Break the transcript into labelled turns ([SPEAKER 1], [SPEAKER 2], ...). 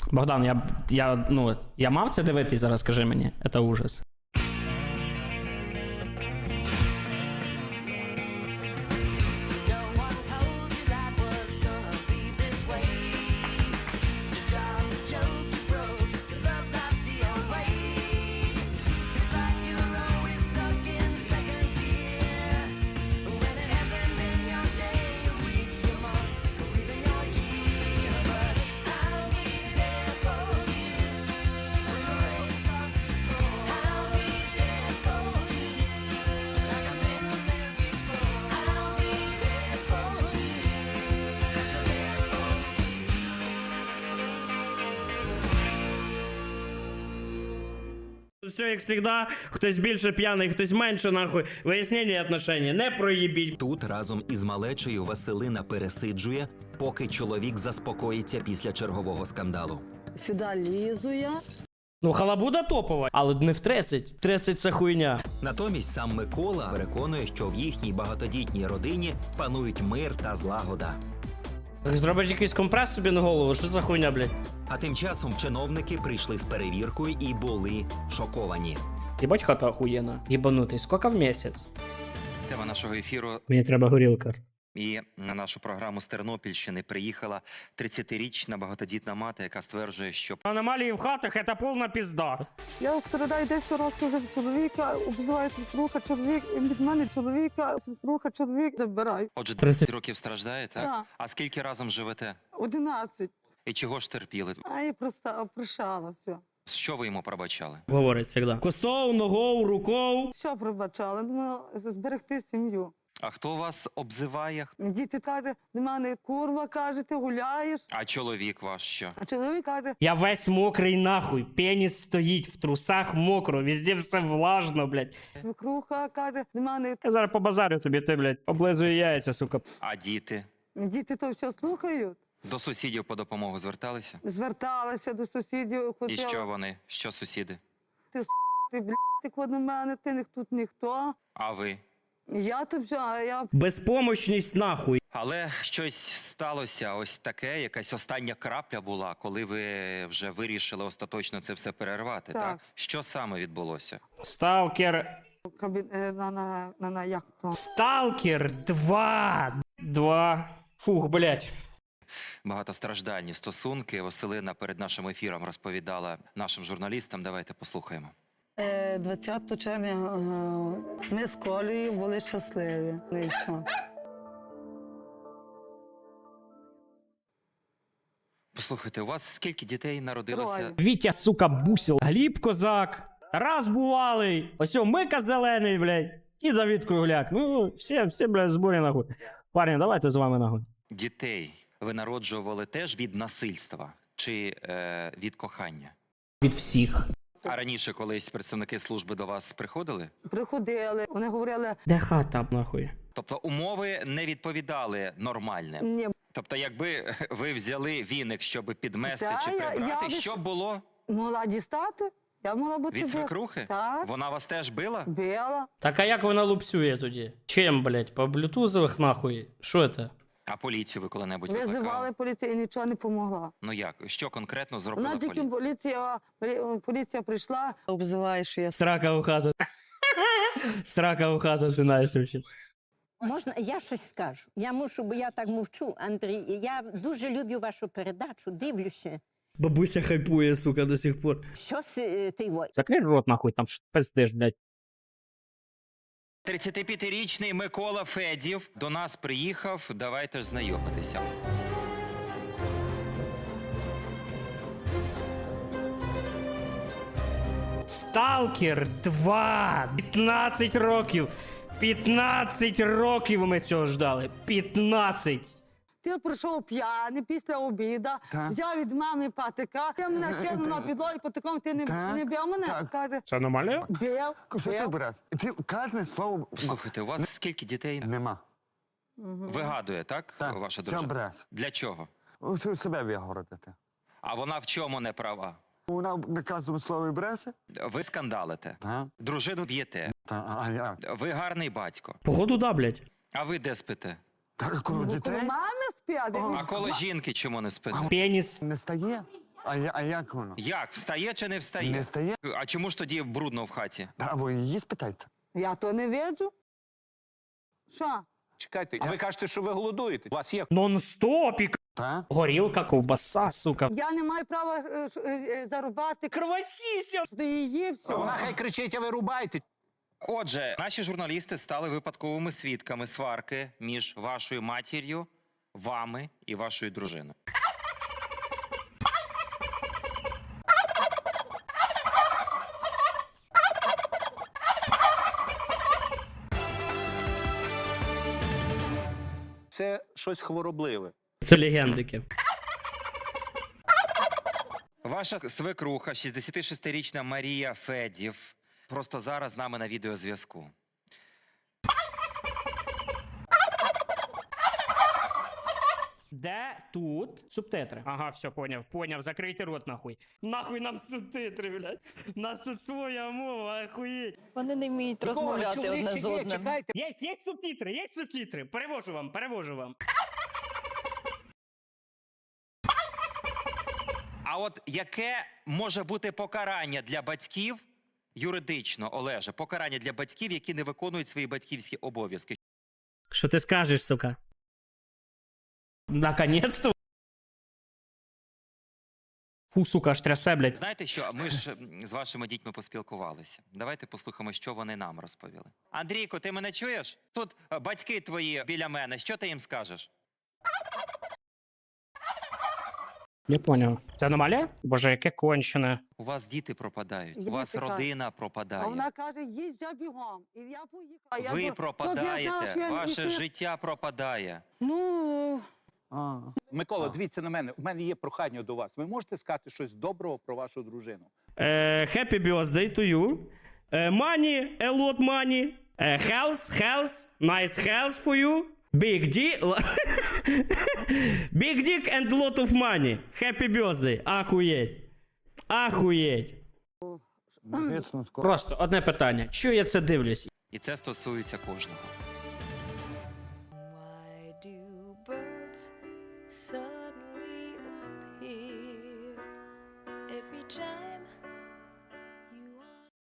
[SPEAKER 1] Богдан, я мав це дивитись зараз, скажи мені. Це ужас. Все, як завжди, хтось більше п'яний, хтось менше, нахуй. Вияснення отношень, не проїбіть.
[SPEAKER 2] Тут разом із малечею Василина пересиджує, поки чоловік заспокоїться після чергового скандалу.
[SPEAKER 3] Сюди лізу я.
[SPEAKER 1] Ну, халабуда топова, але не в 30. 30 це хуйня.
[SPEAKER 2] Натомість сам Микола переконує, що в їхній багатодітній родині панують мир та злагода.
[SPEAKER 1] Зробить якийсь компрес собі на голову, що за хуйня, блядь?
[SPEAKER 2] А тим часом чиновники прийшли з перевіркою і були шоковані.
[SPEAKER 1] Єбать хата охуєнна. Єбанутий, скільки в місяць?
[SPEAKER 4] Тема нашого ефіру
[SPEAKER 1] Мені треба горілка.
[SPEAKER 4] і на нашу програму з Тернопільщини приїхала 30-річна багатодітна мати, яка стверджує, що
[SPEAKER 1] Аномалії в хатах – це повна пізда.
[SPEAKER 3] Я страдаю 10 років вже від чоловіка, обзиваю свекруха, чоловік, і від мене чоловіка, свекруха, чоловік забирай.
[SPEAKER 4] отже
[SPEAKER 1] 30
[SPEAKER 4] 30 років страждає, так?
[SPEAKER 3] Так.
[SPEAKER 4] А скільки разом живете?
[SPEAKER 3] 11.
[SPEAKER 4] І чого ж терпіли?
[SPEAKER 3] А я просто прощала все.
[SPEAKER 4] Що ви йому пробачали?
[SPEAKER 1] Говорить завжди. Косов, ногов, руков.
[SPEAKER 3] Все пробачала, думала зберегти сім'ю.
[SPEAKER 4] А хто вас обзиває?
[SPEAKER 3] Діти кажуть, до мене курва, каже, ти гуляєш.
[SPEAKER 4] А чоловік ваш що?
[SPEAKER 3] А чоловік каже,
[SPEAKER 1] Я весь мокрий нахуй. Пеніс стоїть, в трусах мокро, везде все влажно, блядь.
[SPEAKER 3] свекруха каже, до мене
[SPEAKER 1] Я зараз побазарю тобі, ти, блядь, облизую яйця, сука.
[SPEAKER 4] А діти?
[SPEAKER 3] діти то все слухають.
[SPEAKER 4] До сусідів по допомогу зверталися?
[SPEAKER 3] Зверталася до сусідів,
[SPEAKER 4] І
[SPEAKER 3] хотіла.
[SPEAKER 4] що вони? Що сусіди?
[SPEAKER 3] Ти, блядь, ти код на мене, ти тут ніхто.
[SPEAKER 4] А ви?
[SPEAKER 3] Я тут все, а я
[SPEAKER 1] Безпомощність нахуй.
[SPEAKER 4] Але щось сталося ось таке, якась остання крапля була, коли ви вже вирішили остаточно це все перервати, так?
[SPEAKER 3] Так.
[SPEAKER 4] Що саме відбулося?
[SPEAKER 1] Сталкер.
[SPEAKER 3] на яхту.
[SPEAKER 1] Сталкер 2. Фух, блядь.
[SPEAKER 4] Багатостраждальні стосунки. Василина перед нашим ефіром розповідала нашим журналістам. Давайте послухаємо.
[SPEAKER 3] 20 червня ми з Колею були щасливі. І все.
[SPEAKER 4] Послухайте, у вас скільки дітей народилося?
[SPEAKER 3] Троє.
[SPEAKER 1] Вітя, сука, бусил. Гліб Козак. Раз бувалий. Ось Мика Зелений, блядь. І Давид Кругляк. Ну, всі, блядь, зборі нахуй. Парні, давайте з вами нахуй.
[SPEAKER 4] Дітей ви народжували теж від насильства чи від кохання?
[SPEAKER 1] Від всіх.
[SPEAKER 4] А раніше колись представники служби до вас приходили?
[SPEAKER 3] Приходили, вони говорили,
[SPEAKER 1] Де хата, нахуй?
[SPEAKER 4] Тобто умови не відповідали нормальним?
[SPEAKER 3] ні,
[SPEAKER 4] Тобто, якби ви взяли віник, щоб підмести
[SPEAKER 3] Та,
[SPEAKER 4] чи
[SPEAKER 3] я
[SPEAKER 4] прибрати,
[SPEAKER 3] лиш-
[SPEAKER 4] що б було?
[SPEAKER 3] могла дістати, я могла бути
[SPEAKER 4] Від свекрухи?
[SPEAKER 3] Так,
[SPEAKER 4] Вона вас теж била?
[SPEAKER 3] била.
[SPEAKER 1] Так а як вона лупцює тоді? Чим, блядь? По блютузових нахуй? Що це?
[SPEAKER 4] А поліцію ви коли-небудь
[SPEAKER 3] Визивали
[SPEAKER 4] викликали?
[SPEAKER 3] поліцію і нічого не помогла.
[SPEAKER 4] Ну як? Що конкретно зробила
[SPEAKER 3] Вона тільки
[SPEAKER 4] поліція?
[SPEAKER 3] поліція прийшла, обзиває, що я
[SPEAKER 1] Срака у хату. Срака у хату, це найсвіше.
[SPEAKER 5] Можна, я щось скажу. Я мушу, бо я так мовчу, Андрій. Я дуже люблю вашу передачу, дивлюся.
[SPEAKER 1] Бабуся хайпує, сука, до сих пор.
[SPEAKER 5] Що ти во?
[SPEAKER 1] Закрий рот, нахуй, там що пиздиш, блядь.
[SPEAKER 4] 35-річний Микола Федів до нас приїхав. Давайте ж знайомитися.
[SPEAKER 1] Сталкер 2. 15 років. 15 років ми цього ждали. 15.
[SPEAKER 3] Ти прийшов п'яний після обіду, взяв від мами патика, ти мене кинув на підлогу, патиком ти не бив мене? Каже,
[SPEAKER 1] Це аномалія?
[SPEAKER 3] бив,
[SPEAKER 6] Що ти
[SPEAKER 3] бив.
[SPEAKER 6] береш? Ти кожне слово
[SPEAKER 4] Слухайте, у вас скільки дітей?
[SPEAKER 6] нема.
[SPEAKER 4] Вигадує, так, ваша
[SPEAKER 6] все
[SPEAKER 4] дружина?
[SPEAKER 6] бреш.
[SPEAKER 4] Для чого?
[SPEAKER 6] Себе вигородити.
[SPEAKER 4] А вона в чому не права?
[SPEAKER 6] Вона на кожному слові бреше?
[SPEAKER 4] Ви скандалите,
[SPEAKER 6] Так.
[SPEAKER 4] дружину б'єте,
[SPEAKER 6] А як?
[SPEAKER 4] ви гарний батько.
[SPEAKER 1] Походу, да, блядь.
[SPEAKER 4] А ви де спите?
[SPEAKER 6] Так, коли
[SPEAKER 3] Ну,
[SPEAKER 6] дітей
[SPEAKER 3] коли мами спять,
[SPEAKER 4] А коло жінки чому не спите?
[SPEAKER 1] Пеніс.
[SPEAKER 6] не стає, А як воно?
[SPEAKER 4] Як? Встає чи не встає?
[SPEAKER 6] Не стає?
[SPEAKER 4] А чому ж тоді брудно в хаті?
[SPEAKER 6] А ви її спитайте.
[SPEAKER 3] Я то не виджу. Що?
[SPEAKER 7] Чекайте, а ви кажете, що ви голодуєте? У вас є
[SPEAKER 1] Нон-стопік.
[SPEAKER 6] Так?
[SPEAKER 1] Горілка, ковбаса, сука.
[SPEAKER 3] Я не маю права зарубати
[SPEAKER 1] Кровосіся.
[SPEAKER 3] що її все.
[SPEAKER 7] вона хай кричить, а ви рубаєте.
[SPEAKER 4] Отже, наші журналісти стали випадковими свідками сварки між вашою матір'ю, вами і вашою дружиною.
[SPEAKER 7] Це щось хворобливе.
[SPEAKER 1] Це легендики.
[SPEAKER 4] Ваша свекруха, 66-річна Марія Федів, просто зараз з нами на відеозв'язку.
[SPEAKER 1] Де тут субтитри? Ага, все, поняв, закрийте рот нахуй. Нахуй нам субтитри, блядь. У нас тут своя мова, охуєть.
[SPEAKER 8] Вони не вміють
[SPEAKER 7] Микола,
[SPEAKER 8] розмовляти одне
[SPEAKER 7] чоловіче
[SPEAKER 8] з
[SPEAKER 7] є,
[SPEAKER 8] одним.
[SPEAKER 7] чекайте.
[SPEAKER 1] Є субтитри. Перевожу вам.
[SPEAKER 4] А от яке може бути покарання для батьків, юридично, Олеже, покарання для батьків, які не виконують свої батьківські обов'язки?
[SPEAKER 1] Що ти скажеш, сука? Наконец-то. Фу, сука, аж трясе, блядь.
[SPEAKER 4] Знаєте що, ми ж з вашими дітьми поспілкувалися. Давайте послухаємо, що вони нам розповіли. Андрійко, ти мене чуєш? Тут батьки твої біля мене, що ти їм скажеш?
[SPEAKER 1] Я поняв. Це аномалія? Боже, яке кончене.
[SPEAKER 4] У вас діти пропадають,
[SPEAKER 3] Я
[SPEAKER 4] у вас
[SPEAKER 3] така.
[SPEAKER 4] родина
[SPEAKER 3] А
[SPEAKER 4] пропадає.
[SPEAKER 3] вона каже, їсть я бігом. І я поїхала.
[SPEAKER 4] Ви
[SPEAKER 3] я
[SPEAKER 4] пропадаєте, ваше життя пропадає.
[SPEAKER 3] Ну,
[SPEAKER 6] А.
[SPEAKER 7] Микола, дивіться на мене. У мене є прохання до вас. Ви можете сказати щось доброго про вашу дружину?
[SPEAKER 1] Happy birthday to you. Money, a lot money. Health, nice health for you. Big dick. Big dick and lot of money. Happy birthday. Ахуєть.
[SPEAKER 6] Звісно, скоро.
[SPEAKER 1] Просто одне питання. Чого я це дивлюсь?
[SPEAKER 4] І це стосується кожного.